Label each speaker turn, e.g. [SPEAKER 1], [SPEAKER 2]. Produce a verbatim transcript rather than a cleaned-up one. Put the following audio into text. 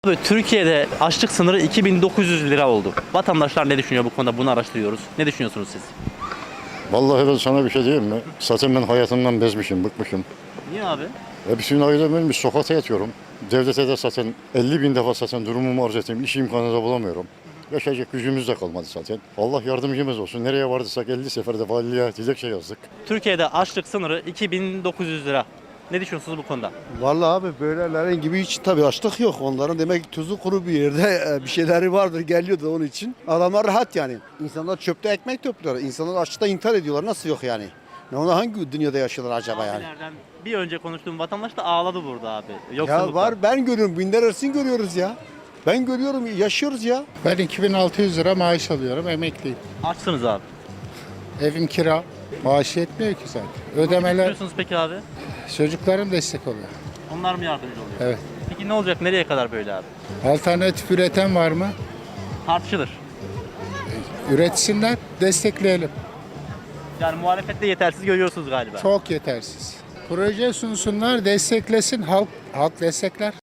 [SPEAKER 1] Abi, Türkiye'de açlık sınırı iki bin dokuz yüz lira oldu. Vatandaşlar ne düşünüyor bu konuda? Bunu araştırıyoruz. Ne düşünüyorsunuz siz?
[SPEAKER 2] Vallahi ben sana bir şey diyeyim mi? Zaten ben hayatımdan bezmişim, bıkmışım.
[SPEAKER 1] Niye abi?
[SPEAKER 2] E bütün ailem ölmüş, sokakta yatıyorum. Devlete de zaten elli bin defa zaten durumumu arz ettim. İş imkanı da bulamıyorum. Yaşayacak gücümüz de kalmadı zaten. Allah yardımcımız olsun. Nereye vardıysak elli seferde valiliğe dilekçe yazdık.
[SPEAKER 1] Türkiye'de açlık sınırı iki bin dokuz yüz lira. Ne düşünüyorsunuz bu konuda?
[SPEAKER 3] Vallahi abi böylelerin gibi hiç tabii açlık yok. Onların demek ki tuzu kuru bir yerde e, bir şeyleri vardır geliyordu onun için. Adamlar rahat yani. İnsanlar çöpte ekmek topluyorlar. İnsanlar açlıkta intihar ediyorlar. Nasıl yok yani? Ne ona hangi dünyada yaşıyorlar acaba yani?
[SPEAKER 1] Abilerden bir önce konuştuğum vatandaş da ağladı burada abi.
[SPEAKER 3] Ya
[SPEAKER 1] Yoksulluktan.
[SPEAKER 3] var ben görüyorum. Binler arasını görüyoruz ya. Ben görüyorum yaşıyoruz ya.
[SPEAKER 4] Ben iki bin altı yüz lira maaş alıyorum, emekliyim.
[SPEAKER 1] Açsınız abi.
[SPEAKER 4] Evim kira, maaş yetmiyor ki zaten. Ödemeler,
[SPEAKER 1] Düşünüyorsunuz peki abi?
[SPEAKER 4] çocuklarım destek oluyor.
[SPEAKER 1] Onlar mı yardımcı oluyor?
[SPEAKER 4] Evet.
[SPEAKER 1] Peki ne olacak? Nereye kadar böyle abi?
[SPEAKER 4] Alternatif üreten var mı?
[SPEAKER 1] Tartışılır.
[SPEAKER 4] Üretsinler, destekleyelim.
[SPEAKER 1] Yani muhalefette yetersiz görüyorsunuz galiba.
[SPEAKER 4] Çok yetersiz. Proje sunsunlar, desteklesin, halk halk destekler.